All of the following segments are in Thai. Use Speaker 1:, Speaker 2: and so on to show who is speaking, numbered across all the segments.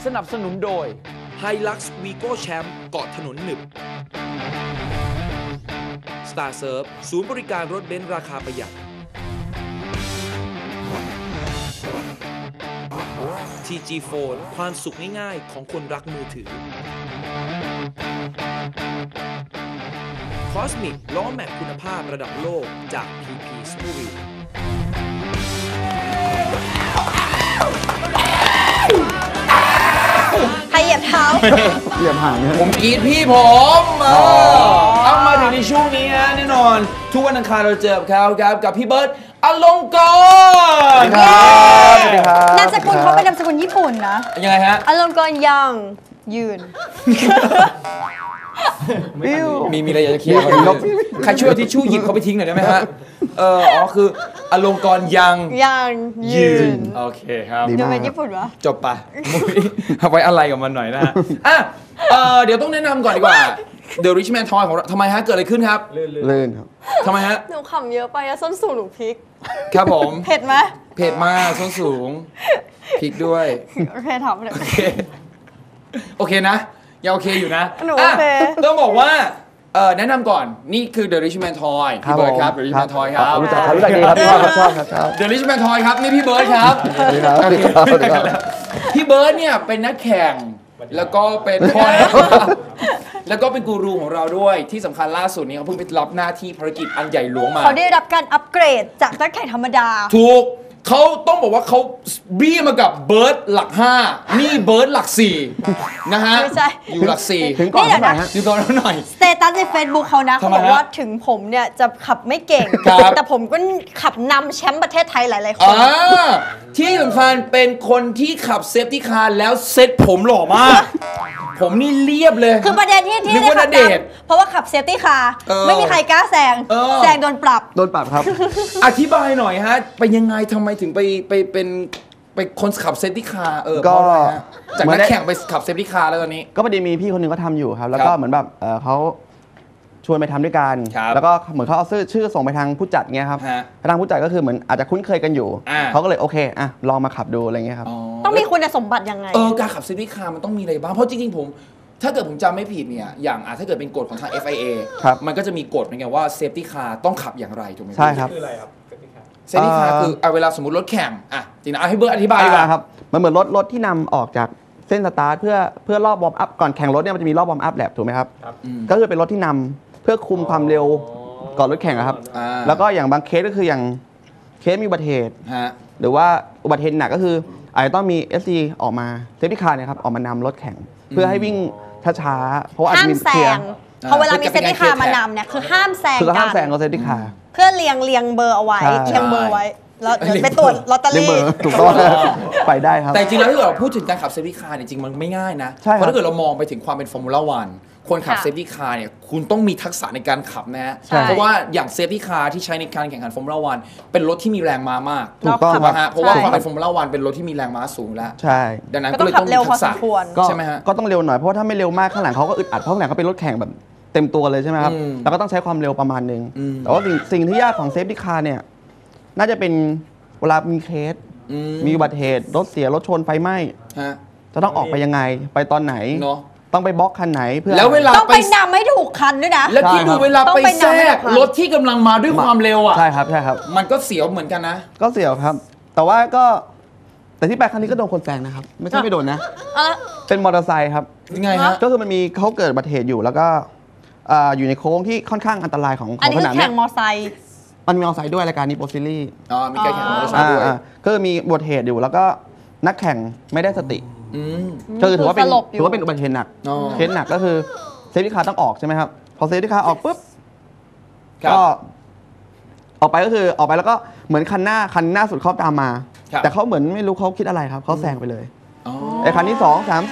Speaker 1: นับสนุนโดย
Speaker 2: Hilux Vigo Champ เกาะถนนหนึบ Star Surf ศูนย์บริการรถเบนซ์ราคาประหยัด TG Phone ความสุขง่ายๆของคนรักมือถือ Cosmic ล้อแม็กคุณภาพระดับโลกจาก PP Studio
Speaker 3: ใครเหยียบเท้า
Speaker 4: เหยียบห่างเนี่ย
Speaker 1: ผมกรีดพี่ผมเอามาถึงในช่วงนี้ฮะแน่นอน ทุกวันอังคารเราเจอกับเขาครับกับพี่เบิร์ตอลงกรณ์
Speaker 4: สวัสดีครับ
Speaker 3: นามสกุลเขาเป็นนามสกุลญี่ปุ่นนะ
Speaker 1: ยังไงฮะ
Speaker 3: อารมณ์กรยังยืน
Speaker 1: มีอะไรอยากจะเคลียร์ครับใครช่วยเอาทิชชู่หยิบเขาไปทิ้งหน่อยได้ไหมฮะคืออลงกรณ์ยัง
Speaker 3: ยืน
Speaker 1: โอเคครับ
Speaker 4: ดี
Speaker 3: ดู
Speaker 4: มาก
Speaker 3: เป็นญี่ปุ่นวะ
Speaker 1: จบไปมุ้ยเอาไว้อะไรกับมันหน่อยนะฮะอ่ะเดี๋ยวต้องแนะนำก่อนดีกว่า The Richman Toy ของเราทำไมฮะ เกิดอะไรขึ้นครับ
Speaker 4: ลื่นครับ
Speaker 1: ทำไมฮะ
Speaker 3: หนูขำเยอะไปอะส้นสูงหนูพริก
Speaker 1: ครับผม
Speaker 3: เผ็ดไหม
Speaker 1: เผ็ดมากส้นสูงพริกด้วย
Speaker 3: โอเคทำเลย
Speaker 1: โอเคนะยังโอเคอยู่นะ
Speaker 3: หนูโอเค
Speaker 1: ต้องบอกว่าแนะนำก่อนนี่คือ The Richman Toy พี่เบิร์ดครับ The Richman Toy ครับ
Speaker 4: รู้จักดีครับชอบครับชอบ
Speaker 1: The Richman Toy ครับนี่พี่เบิร์ดครับ
Speaker 4: สวัสดีครับสวัสดีครับสวัสดีครับ
Speaker 1: พี่เบิร์ดเนี่ยเป็นนักแข่งแล้วก็เป็นแล้วก็เป็นกูรูของเราด้วยที่สำคัญล่าสุดนี้เขาเพิ่งไปรับหน้าที่ภารกิจอันใหญ่หลวงมา
Speaker 3: เขาได้รับการอัปเกรดจากนักแข่งธรรมดา
Speaker 1: ถูกเขาต้องบอกว่าเขาบี้มากับเบิร์ดหลัก 5 นี่เบิร์ดหลัก 4 นะฮะ
Speaker 3: ไม่ใช่
Speaker 1: อยู่หลัก 4
Speaker 4: ถึงก่อนเท่าไหร่ฮะ
Speaker 1: อยู่ก่อนแล้วหน่อย
Speaker 3: สเตตัสใน Facebook เขานะ
Speaker 1: ทำ
Speaker 3: เขา
Speaker 1: ไม
Speaker 3: บอกว่า
Speaker 1: ฮะ
Speaker 3: ถึงผมเนี่ยจะขับไม่เก่ง
Speaker 1: ครับ
Speaker 3: แต่ผมก็ขับนำแชมป์ประเทศไทยหลาย ๆ คน
Speaker 1: ที่สำคัญเป็นคนที่ขับเซฟตี้คาร์แล้วเซ็ตผมหล่อมาก ผมนี่เรียบเลย
Speaker 3: คือประเด็นที่
Speaker 1: นึกว่า
Speaker 3: ได้ขับ
Speaker 1: ณเดชน์
Speaker 3: นำเพราะว่าขับเซฟตี้คาร์
Speaker 1: เออ
Speaker 3: ไม่มีใครกล้าแซง
Speaker 1: เออ
Speaker 3: แซงโดนปรับ
Speaker 4: โดนปรับครับ
Speaker 1: อธิบายหน่อยฮะไปยังไงทำไมถึงไปคนขับเซฟตี้คาร์เพ
Speaker 4: ก็
Speaker 1: ราะอะไรฮะจาก
Speaker 4: เหมื
Speaker 1: นั
Speaker 4: อก นได้
Speaker 1: แข่งไปขับเซฟตี้คาร์แล้วตอนนี้
Speaker 4: ก็พอดีมีพี่คนหนึ่งก็ทำอยู่ครับ แล้ว
Speaker 1: ค
Speaker 4: ก็
Speaker 1: รับ
Speaker 4: เหมือนแบบเขาชวนไปทำด้วยกัน
Speaker 1: ครับ
Speaker 4: แล้วก็เหมือนเขาเอาชื่อส่งไปทางผู้จัดเงี้ยครับ
Speaker 1: ฮะ
Speaker 4: ทางผู้จัดก็คือเหมือนอาจจะคุ้นเคยกันอยู่
Speaker 1: อ่า
Speaker 4: เขาก็เลยโอเคอ่ะลองมาขับดูอะไรเงี้ยครับ
Speaker 3: ต้องมีคุณสมบัติยังไง
Speaker 1: การขับเซฟตี้คาร์มันต้องมีอะไรบ้าง เพราะจริงๆผม ถ้าเกิดผมจำไม่ผิดเนี่ยอย่างถ้าเกิดเป็นกฎของทาง FIA
Speaker 4: ครับ
Speaker 1: มันก็จะมีกฎเหมือนกันว่าเซฟตี้คาร์ต้องขับอย่างไรถูกไหม
Speaker 4: ใช่ครับ
Speaker 1: เซฟตี้คาร์คือเวลาสมมติรถแข่งจริงนะให้เบิร์ดอธิบายดีกว่า
Speaker 4: ครับมันเหมือนรถที่นำออกจากเส้นสตาร์ทเพื่อรอบวอร์มอัพก่อนแข่งรถเนี่ยมันจะมีรอบวอร์มอัพแลปถูกไหมครับก็คือเป็นรถที่นำเพื่อคุมความเร็วก่อนรถแข่งอะครับ แล้วก็อย่างบางเคสก็คืออย่างเคสมีอุบัติเหตุ
Speaker 1: ฮะ
Speaker 4: หรือว่าอุบัติเหตุหนักก็คืออาจจะต้องมี SC ออกมาเซฟตี้คาร์เนี่ยครับออกมานำรถแข่ง เพื่อให้วิ่งช้าๆเพราะว่าอาจ
Speaker 3: ห้าม
Speaker 4: จะมี
Speaker 3: แซ
Speaker 4: เคลียร์
Speaker 3: งพอเวลามีเซฟตี้คาร์มานำเนี่ยคือห้ามแซง
Speaker 4: คือ
Speaker 3: กั
Speaker 4: ห้าม
Speaker 3: น
Speaker 4: แซงกับเซฟตี้คาร์
Speaker 3: เพื่อเรียงเบอร์เอาไว้
Speaker 4: ใช่
Speaker 3: เรียงเบอร์ไว้ แล้วเดี๋ยวไปตรวจลอตเตอ
Speaker 4: เรียก
Speaker 3: รี่
Speaker 4: เบอร์ถูกต้องไปได้ครับ
Speaker 1: แต่จริงแล้วถ้าเกิดเราพูดถึงการขับเซฟตี้คาร์เนี่ยจริงมันไม่ง่ายนะ
Speaker 4: ใช่ครับ
Speaker 1: เพราะถ้าเกิดเรามองไปถึงความเป็นฟอร์มูล่าวันคนขับ
Speaker 3: ค่ะ
Speaker 1: เซฟตี้คาร์เนี่ยคุณต้องมีทักษะในการขับนะฮะ
Speaker 3: ใช่
Speaker 1: เพราะว่าอย่างเซฟตี้คาร์ที่ใช้ในการแข่งขันฟอร์มูล่าวันเป็นรถที่มีแรงม้ามาก
Speaker 4: ถูกต้อง
Speaker 1: ถูกไหมฮะเพราะว่า
Speaker 3: ใช่
Speaker 1: ความเป็นฟอร์มูล่าวันเป็นรถที่มีแรงม้าสูงแล้ว
Speaker 4: ใช่
Speaker 1: ดังนั้น
Speaker 3: ก็
Speaker 1: ก็
Speaker 3: ต้อ
Speaker 1: เล
Speaker 3: ง
Speaker 1: ย
Speaker 3: ขั
Speaker 1: ต้
Speaker 3: บ
Speaker 1: อง
Speaker 3: เร็ว
Speaker 1: มี
Speaker 3: พอ
Speaker 1: ทัก
Speaker 3: ส
Speaker 1: ษะ
Speaker 3: มควร
Speaker 4: ก็
Speaker 1: ใช่ไหมฮะ
Speaker 4: ก็ต้องเร็วหน่อยเพราะว่าถ้าไม่เร็วมากข้างหลังเขาก็อึดอัดเพราะข้างหลังเขาเป็นรถแข่งแบบเต็มตัวเลยใช่ไหมครับ
Speaker 1: อืม
Speaker 4: แล้วก็ต้องใช้ความเร็วประมาณนึง
Speaker 1: อืม
Speaker 4: แต่ว่าสิ่งที่ยากของเซฟตี้คาร์เนี่ยน่าจะเป็นเวลามีเคส มีอุบัติเหตุรถเสียรถชนไฟไหม้
Speaker 1: ฮะ
Speaker 4: จะต้องออกไปยังไงไปตอนไหน
Speaker 1: เนาะ
Speaker 4: ต้องไปบล็อกคันไหนเพื่อ
Speaker 1: แล้วเวลา
Speaker 3: ต้อง
Speaker 1: ไป
Speaker 3: ไปนำให้ถูกคันด้วยนะ
Speaker 1: แล้วที่ดูเวลา
Speaker 3: ต้อง
Speaker 1: ไป
Speaker 3: ไป
Speaker 1: แทร
Speaker 3: นำให้
Speaker 1: ก
Speaker 3: ทัน
Speaker 1: รถที่กำลังมาด้วยความเร็วอ่ะ
Speaker 4: ใช่ครับใช่ครับ
Speaker 1: มันก็เสียวเหมือนกันนะ
Speaker 4: ก็เสี่ยวครับ แต่ว่าก็แต่ที่ไปครั้งนี้ก็โดนคนแซงนะครับ ไม่ใช่ไม่โดนนะ
Speaker 3: อ่ะ
Speaker 4: เป็นมอเตอร์ไซค์ครับ
Speaker 1: ยังไงฮะ
Speaker 4: ก็คือมันมีเขาเกิดอุบัติเหตุอยู่แล้วก็อยู่ในโค้งที่ค่อนข้างอันตรายของ
Speaker 3: อันนี้
Speaker 4: ส
Speaker 3: คื
Speaker 4: นา
Speaker 3: อ
Speaker 4: ม
Speaker 3: แข่
Speaker 4: เนี่ย
Speaker 3: งมอไซค์
Speaker 4: มันมีมอเตอร์ไซค์ด้วยรายการนี้โปรซิลี่
Speaker 1: มีการแข่งมอเตอร์ไซค์ด้วย
Speaker 4: ก็คือมีอุบัติเหตุอยู่แล้วก็นักแข่งไม่ได้สติ
Speaker 1: อืม
Speaker 4: ก็คือถือว่าเป็น
Speaker 3: สลบอยู่
Speaker 4: ถือว่าเป็นอุบัติเหตุหนัก
Speaker 1: อ๋อ
Speaker 4: เคสหนักก็คือเซฟตี้คาร์ต้องออกใช่ไหมครับพอเซฟตี้คาร์ออกปุ๊บ
Speaker 1: ครับ
Speaker 4: ก็ออกไปก็คือออกไปแล้วก็เหมือนคันหน้าสุดเขาตามมา
Speaker 1: ครับ
Speaker 4: แต่เขาเหมือนไม่รู้เขาคิดอะไรครับเขาแซงไปเลย
Speaker 1: อ๋อ
Speaker 4: ไอ้คันที่2 3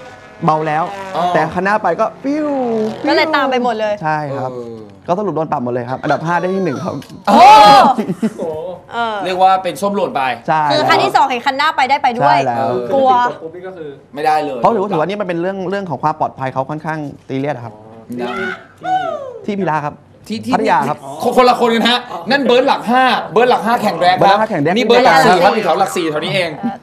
Speaker 4: 4 เบาแล้ว
Speaker 1: อ๋อ
Speaker 4: แต่คันหน้าไปก็ปิ้ว
Speaker 3: ก็เลยตามไปหมดเลย
Speaker 4: ใช่ครับ ก็สรุปโดนปรับหมดเลยครับ อันดับ 5 ได้ที่ 1 ครับ
Speaker 3: โอ้เออ
Speaker 1: เรียกว่าเป็นส้มหล่นไป
Speaker 4: ใช่
Speaker 3: คือคันที่ 2 เห็นคันหน้าไปได้ไปด้วย
Speaker 4: ใช่แล้ว
Speaker 3: กลัว
Speaker 1: ไม่ได้เลย
Speaker 4: เพราะถือว่านี่มันเป็นเรื่องของความปลอดภัยเขาค่อนข้างซีเรียสครับ
Speaker 1: นะ
Speaker 4: ที่พิลาครับ
Speaker 1: ที่
Speaker 4: พัทยาครับ
Speaker 1: คนละคนกันฮะ นั่นเบิร์ดหลัก 5 เบิร์ดหลัก 5 แข่งแรง
Speaker 4: เบิร์ดหลักห้าแข่งแรง
Speaker 1: นี่เบิร์ดหลัก 4 ครับอยู่แถวหลัก 4แถวนี้เอง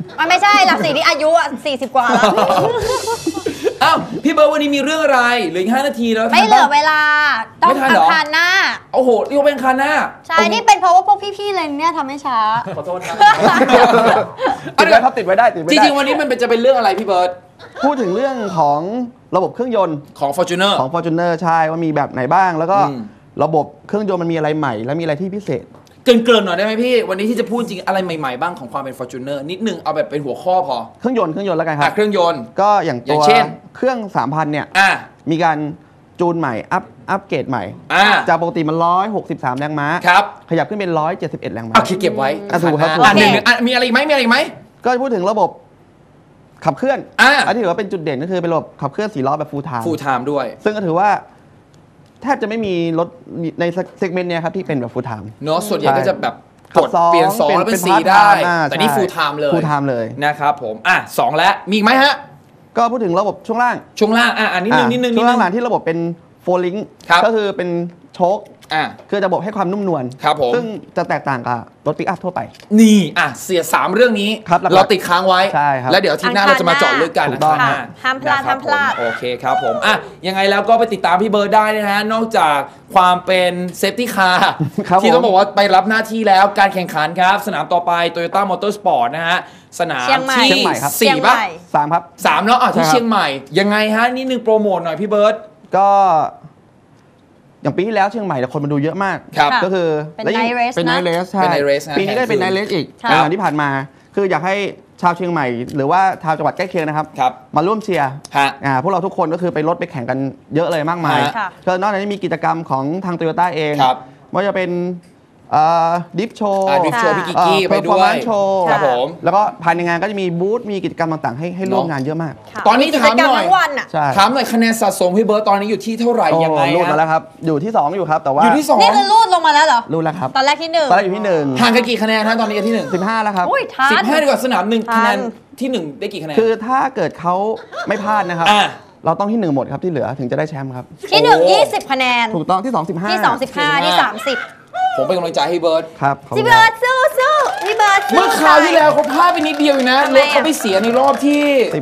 Speaker 3: มันไม่ใช่หลักสี่ที่อายุ40 กว่าแล้ว
Speaker 1: อ้าวพี่เบิร์ดวันนี้มีเรื่องอะไรเหลืออีก5 นาทีแล้ว
Speaker 3: ไม่เหลือเวลาต้อง
Speaker 1: ไม่ทัน
Speaker 3: อั
Speaker 1: เหรอ
Speaker 3: งคารหน้า
Speaker 1: โอ้โหนี่ก็เป็นคาหน้า
Speaker 3: ใช่นี่เป็นเพราะว่าพวกพี่ๆเลยเนี่ยทำให้ช้า
Speaker 1: ขอโทษครับ
Speaker 4: ติดไว้ครับติดไว้ได้ติดไว้
Speaker 1: จ
Speaker 4: ได้
Speaker 1: ริงๆวันนี้มันจะเป็นเรื่องอะไรพี่เบิร์ด
Speaker 4: พูดถึงเรื่องของระบบเครื่องยนต์
Speaker 1: ของ Fortuner
Speaker 4: ของ Fortuner ใช่ว่ามีแบบไหนบ้าง แล้วก็
Speaker 1: อืม
Speaker 4: ระบบเครื่องยนต์มันมีอะไรใหม่ และมีอะไรที่พิเศษ
Speaker 1: เกริ่นๆหน่อยได้ไหมพี่ วันนี้ที่จะพูดจริงอะไรใหม่ๆบ้างของความเป็น Fortuner นิดนึงเอาแบบเป็นหัวข้อพอ
Speaker 4: เครื่องยนต์แล้วกันครับ
Speaker 1: เครื่องยนต์
Speaker 4: ก็อย่าง
Speaker 1: อย่า
Speaker 4: ตัว
Speaker 1: งเช่น
Speaker 4: เครื่อง 3,000 เนี่ย
Speaker 1: อ่ะ
Speaker 4: มีการจูนใหม่อัปเกรดใหม่
Speaker 1: อ่ะ
Speaker 4: จากปกติมัน163 แรงม้า
Speaker 1: ครับ
Speaker 4: ขยับขึ้นเป็น171 แรงม้า
Speaker 1: โอเคเก็บไว้
Speaker 4: ถูกครับ
Speaker 1: อ่ะหนึ่งอ่ะมีอะไรอีกไหมมีอะไรอีกไหม
Speaker 4: ก็พูดถึงระบบขับเคลื่อน
Speaker 1: อ่ะ
Speaker 4: นที่ถือว่าเป็นจุดเด่นก็คือเป็นระบบขับเคลื่อน4 ล้อแบบ full time
Speaker 1: full time ด้วย
Speaker 4: ซึ่งก็ถือว่าแทบจะไม่มีรถในเซกเมนต์เนี้ยครับที่เป็นแบบ full time
Speaker 1: เนาะส่วนใหญ่ก็จะแบบ
Speaker 4: ขั
Speaker 1: ก
Speaker 4: บ
Speaker 1: ด
Speaker 4: สอง
Speaker 1: เปลี่ยน2แล้วเป็น 4 ได้ แต่นี่
Speaker 4: ใช่
Speaker 1: full time เลย
Speaker 4: full time เลย
Speaker 1: นะครับผมอ่ะ2แล้วมีอีกไหมฮะ
Speaker 4: ก็พูดถึงระบบช่วงล่าง
Speaker 1: ช่วงล่างอ่ะนิดนึง
Speaker 4: ช่วงล่างที่ระบบเป็น 4 link
Speaker 1: ครับ
Speaker 4: ก็คือเป็นโชค
Speaker 1: อ่ะ
Speaker 4: คือระบบให้ความนุ่มนวล
Speaker 1: ครับผม
Speaker 4: ซึ่งจะแตกต่างกับรถปิกอัพทั่วไป
Speaker 1: นี่อ่ะเสีย3เรื่องนี้
Speaker 4: ครับหลักๆ
Speaker 1: เราติดค้างไว้
Speaker 4: ใช่ครับ
Speaker 1: แล้วเดี๋ยวอาทีหน้าเราจะมาเจาะลึกกัน
Speaker 4: ถูกต้อง
Speaker 1: นะครับ
Speaker 3: ห้ามพลาด
Speaker 1: นะครับ
Speaker 3: ห้ามพลาด
Speaker 1: ผมโอเคครับผมอ่ะยังไงแล้วก็ไปติดตามพี่เบิร์ดได้นะฮะนอกจากความเป็นเซฟตี้คาร์
Speaker 4: ครับ
Speaker 1: ที่ต้อง
Speaker 4: ผม
Speaker 1: บอกว่าไปรับหน้าที่แล้วการแข่งขันครับ สนามต่อไป Toyota Motorsport นะฮะสนาม
Speaker 3: เชียงใหม่
Speaker 1: ที่
Speaker 4: เชียงใหม่ครับ
Speaker 1: 4ป่ะ
Speaker 4: 3 ครับ
Speaker 1: 3เนาะอ่ะที่
Speaker 4: ใช่ครับ
Speaker 1: เชียงใหม่ยังไงฮะนิดนึงโปรโมทหน่อยพี่เบิร์ด
Speaker 4: ก็อย่างปีที่แล้วเชียงใหม่เนี่ยคนมาดูเยอะมาก
Speaker 1: ครับ
Speaker 3: ค่ะ
Speaker 4: ก็คือ
Speaker 3: เป็น
Speaker 4: และยิ่ง
Speaker 3: night race
Speaker 4: เป็น
Speaker 3: นะ
Speaker 4: night race ใช่
Speaker 1: เป็น night race นะ
Speaker 4: ปีนี้ก็เป็น night race อีก
Speaker 3: ค่ะ
Speaker 4: ในวันที่ผ่านมา คืออยากให้ชาวเชียงใหม่ หรือว่าชาวจังหวัดใกล้เคียงนะครับ
Speaker 1: ครับ
Speaker 4: มาร่วมเชียร์
Speaker 1: ฮะ
Speaker 4: พวกเราทุกคนก็คือไปรถไปแข่งกันเยอะเลยมากมาย
Speaker 1: ฮะ
Speaker 3: ค่ะ
Speaker 4: ก็นอกจากนี้มีกิจกรรมของทางโตโยต้าเอง
Speaker 1: ครับ
Speaker 4: ว่าจะเป็นดิฟโชว์
Speaker 1: ดิฟโชว์พี่กิกกี้ไปด้วย
Speaker 4: โชว์
Speaker 1: ครับผม
Speaker 4: แล้วก็ภายในงานก็จะมีบูธมีกิจกรรมต่างๆให้ร่วมงานเยอะมาก
Speaker 3: ค่ะ
Speaker 1: ตอนนี้
Speaker 3: มีกิ
Speaker 1: ถาม
Speaker 3: จกรรม
Speaker 1: หน่อย
Speaker 3: ทั้งวันอ่ะ
Speaker 4: ใช่
Speaker 1: ถามหน่อยคะแนนสะสมพี่เบิร์ดตอนนี้อยู่ที่เท่าไหร่ยังไง
Speaker 4: โอ้รูดมา
Speaker 1: ฮะ
Speaker 4: แล้วครับ อยู่ที่ 2 อยู่ครับ แต่ว่า
Speaker 1: อยู่ที่สอง
Speaker 3: นี่คือรูดลงมาแล้วเหรอ
Speaker 4: รูดแล้วครับ
Speaker 3: ตอนแรกที่ 1
Speaker 4: ตอนแรกอยู่ที่
Speaker 1: ห่างกันกี่คะแนนฮะตอนนี้กันที่1
Speaker 4: 15แล้วครับ
Speaker 3: อุ้ยทัน
Speaker 1: 15ดีกว่าสนามหนึ่ง
Speaker 3: ทัน
Speaker 1: คะแนนที่ 1 ได้กี่คะแนน
Speaker 4: คือถ้าเกิดเขาไม่พลาดนะครับ
Speaker 1: อ่ะ
Speaker 4: เราต้องที่ 1 หมดครับที่เหลือถึงจะได้แชมป์ครับ
Speaker 3: ที่
Speaker 1: โอ้
Speaker 3: 1 20 คะแนน
Speaker 4: ถูกต้องที่ 2 15
Speaker 3: ที่ 2 15 ที่ 30
Speaker 1: ผมเป็นกำลังใจให้เบิร์ด
Speaker 4: ครับขอบคุ
Speaker 3: พี่
Speaker 4: ณ
Speaker 3: เบิร์ดสู้สู้พี่เบิร์ดสู้
Speaker 1: เมื่อคราวที่แล้วเขาพลาดไปนิดเดียวอยู่นะ
Speaker 3: ทำไม
Speaker 1: ร
Speaker 3: อ่ะ
Speaker 1: ถเขาไปเสียในรอบที่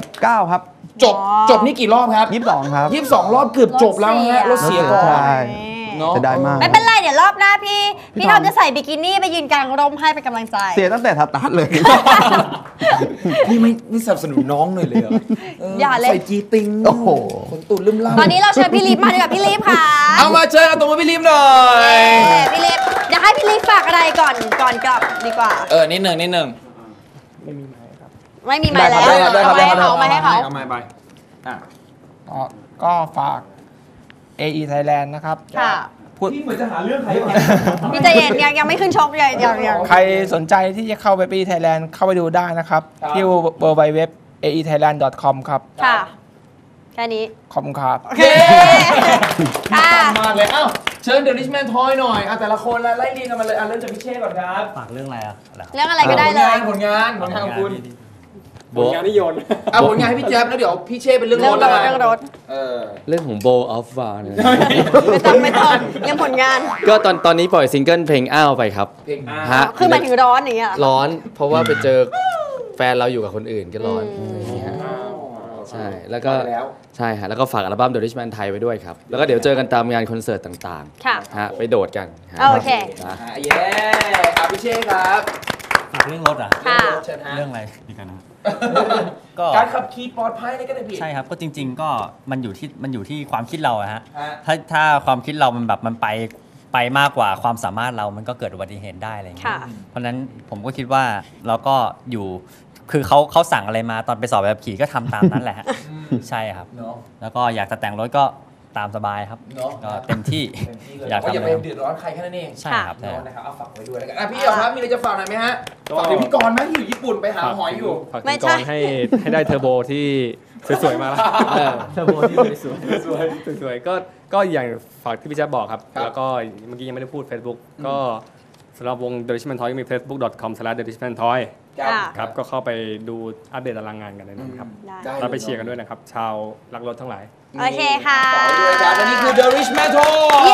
Speaker 4: 19 ครับ
Speaker 1: จบนี่กี่รอบครับ
Speaker 4: 22 ครับ
Speaker 1: 22 รอบเกือบจบแล้วฮะรถเสียก่อน
Speaker 4: ใช่
Speaker 1: เนาะ
Speaker 4: จะได้มาก
Speaker 3: ไม่เป็นไรเดี๋ยวรอบหน้าพี่
Speaker 4: พี่
Speaker 3: ท
Speaker 4: ท
Speaker 3: อ
Speaker 4: อ
Speaker 3: ม
Speaker 4: ม
Speaker 3: จะใส่บิกินี่ไปยืนกลางร่มให้เป็นกำลังใจ
Speaker 4: เสียตั้งแต่สตาร์ทเลย
Speaker 1: นี่ไม่สนับสนุนน้องเลยเลยเหรออย่
Speaker 3: าเลย
Speaker 1: ใส่จีติง
Speaker 4: โอ้โห
Speaker 1: ขนตุ่นลืมล่า
Speaker 3: ตอนนี้เราเชิญพี่ลิฟมาดีกว่าพี่ลิฟค่ะ
Speaker 1: เอามาเชิญเอาตัวมาพี่ลิมหน่อย
Speaker 3: พี่ลิฟเดี๋ยวให้พี่ลิฟฝากอะไรก่อนกลับดีกว่า
Speaker 1: นิดหนึ่ง
Speaker 3: ไม่มีไม้แล้ว
Speaker 4: ได้ครับได้ครับ
Speaker 3: เอาไม้ให้เขา
Speaker 1: เอาไม้ไปอ่ะ
Speaker 5: ก็ฝาก AE Thailand นะครับ
Speaker 3: ค่ะ
Speaker 1: พี่เหมือนจะหาเรื่องใคร
Speaker 3: พี่ใจเย็นยังไม่ขึ้นชกยัง
Speaker 5: ใครสนใจที่จะเข้าไป AE Thailand เข้าไปดูได้นะครับ ที่ www.aethailand.com ครับ
Speaker 3: ค่ะ แค่นี้
Speaker 5: ขอบคุณครับ
Speaker 3: โอเคค่ะ
Speaker 1: มากเลยเอ้าเชิญเดอะริชแมนทอยหน่อยแต่ละคนไล่เรียงกันมาเลยเริ่มจากพี่เช่ก่อนครับ
Speaker 6: ฝากเรื่องอะไรอ่ะ
Speaker 3: เรื่องอะไรก็ได้เลย
Speaker 1: ผลงานของคุณ
Speaker 6: ผลงานที่โยน
Speaker 1: ผลงานให้พี่แจ๊บแล้วเดี๋ยวพี่เช่เป็นเรื่องรถ
Speaker 3: เรื่องรถ
Speaker 6: เรื่องของ Bow of War เนี่ย
Speaker 3: ไม่ต้องเรื่องผลงาน
Speaker 6: ก็ตอนนี้ปล่อยซิงเกิลเพลงอ้าวไปครับ
Speaker 1: เพลงอา
Speaker 6: ฮะ
Speaker 3: คือหมายถึงร้อนอย่างเงี้ย
Speaker 6: ร้อนเพราะว่าไปเจอแฟนเราอยู่กับคนอื่นก็ร้อนอะไรอย่างเงี้ยฮะใช่แล้วก็
Speaker 1: แล้ว
Speaker 6: ใช่ฮะแล้วก็ฝากอัลบั้ม The Rich Man Thai ไว้ด้วยครับ แล้วก็เดี๋ยวเจอกันตามงานคอนเสิร์ตต่าง
Speaker 3: ค่ะ
Speaker 6: ๆฮะไปโดดกันฮะ
Speaker 3: โอเค
Speaker 6: นะ
Speaker 1: เย้พี่เช่ครับ
Speaker 7: ฝากเรื่องรถอ่ะ
Speaker 3: ค่ะ
Speaker 1: เชิญฮะ
Speaker 7: เรื่องอะไรดีกันนะก็
Speaker 1: การขับขี่ปลอดภัยในกระดาษผิด
Speaker 7: ใช่ครับก็จริง ๆ ก็มันอยู่ที่ความคิดเราอะฮะ
Speaker 1: ฮะ
Speaker 7: ถ้าความคิดเรามันแบบมันไปมากกว่าความสามารถเรามันก็เกิดอุบัติเหตุได้อะไรอย่างเงี้ย
Speaker 3: ค่ะ
Speaker 7: เพราะฉะนั้นผมก็คิดว่าเราก็อยู่คือเขาสั่งอะไรมาตอนไปสอบแบบขี่ก็ทำตามนั้นแหละฮะใช่ครับ
Speaker 1: เนาะ
Speaker 7: แล้วก็อยากจะแต่งรถก็ตามสบายครับ
Speaker 1: เนาะ
Speaker 7: ก็เต็มที่
Speaker 1: เต็มที่เลย
Speaker 7: อยาก
Speaker 1: ก็อย่า
Speaker 7: ทำ
Speaker 1: ไป
Speaker 7: อะไร
Speaker 1: เดือดร้อนใครแค่นั้นเอง
Speaker 7: ใช่ครับใช่
Speaker 1: เนาะ
Speaker 7: ครับ
Speaker 1: นะครับเอาฝากไว้ด้วยแล้วกันพี่เอ๋ครับมีอะไรจะฝากหน่อยไหมฮะฝากถึงพี่กรณ์ไหมที่อยู่ญี่ปุ่นไปหาหอยอยู่
Speaker 8: ฝาก
Speaker 3: ไม่
Speaker 8: ถึง
Speaker 3: ใช่
Speaker 8: กรให้ได้เทอร์โบที่สวยๆมาแล้วเทอร์โบที่สวยๆก็อย่างฝากที่พี่แจ๊บบอกครับ
Speaker 1: ครับ
Speaker 8: แล้วก็เมื่อกี้ยังไม่ได้พูด Facebook ก็สำหรับวง The Richman Toy ก็มี facebook.com/therishmantoy
Speaker 3: ค่ะ
Speaker 8: ครับก็เข้าไปดูอัปเดตตารางงานกันได้นะครับ
Speaker 3: ได้
Speaker 8: แล้วไปเชียร์กันด้วยนะครับ ชาวรักรถทั้งหลาย
Speaker 3: โอเคค่ะ
Speaker 1: ฝากไว้ด้วยครับและนี่คือ The Rich Man Toy
Speaker 3: เย้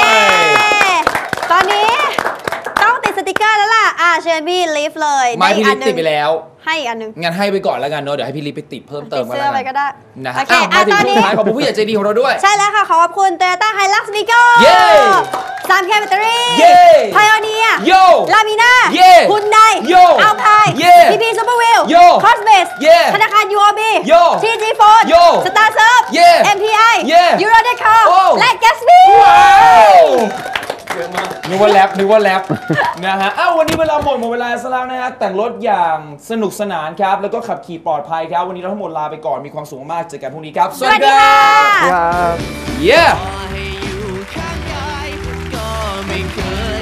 Speaker 3: ตอนนี้ต้องติดสติกเกอร์แล้วล่ะเชิญพี่ลิฟเลย
Speaker 1: ไม้พี่ลิฟ
Speaker 3: ด้
Speaker 1: ติดไปแล้ว
Speaker 3: ให้อีกอันนึง
Speaker 1: งั้นให้ไปก่อนแล้วกันเนอะเดี๋ยวให้พี่ลิไปติดเพิ่มเติม
Speaker 3: ติดเสื้อไปก็ได้
Speaker 1: นะฮะ
Speaker 3: โอเค
Speaker 1: มาถึง
Speaker 3: ตอน
Speaker 1: ช่ว
Speaker 3: นี้
Speaker 1: งท้ายขอบคุณผู้ใหญ่ใจดีของเราด้วย
Speaker 3: ใช่แล้วค่ะ ขอบคุณ Toyota Hilux Vigo
Speaker 1: เย้
Speaker 3: 3K แบตเตอรี่
Speaker 1: เย้
Speaker 3: Pioneer
Speaker 1: โย
Speaker 3: Lamina
Speaker 1: เย้
Speaker 3: Hyundai
Speaker 1: โย
Speaker 3: Alpine
Speaker 1: เย้
Speaker 3: PP Super Wheel
Speaker 1: โย
Speaker 3: Cosmos
Speaker 1: เย้
Speaker 3: ธนาคาร UOB
Speaker 1: โย
Speaker 3: TG Phone
Speaker 1: โย
Speaker 3: Star Surf
Speaker 1: เย้
Speaker 3: MPI
Speaker 1: เย้
Speaker 3: Euro Decor
Speaker 1: โอ้
Speaker 3: และ Gatsby
Speaker 1: ว้าวนึกว่าแรปนะฮะอ้าววันนี้เวลาหมดเวลาซะแล้วนะฮะแต่งรถอย่างสนุกสนานครับแล้วก็ขับขี่ปลอดภัยครับวันนี้เราทั้งหมดลาไปก่อนมีความสุขมากเจอกันพรุ่งนี้ครับสวัสดีครั
Speaker 3: สวัสดีค่ะ
Speaker 1: บ Yeah
Speaker 2: ให้อยู่ข้างกายก็ไม่เคย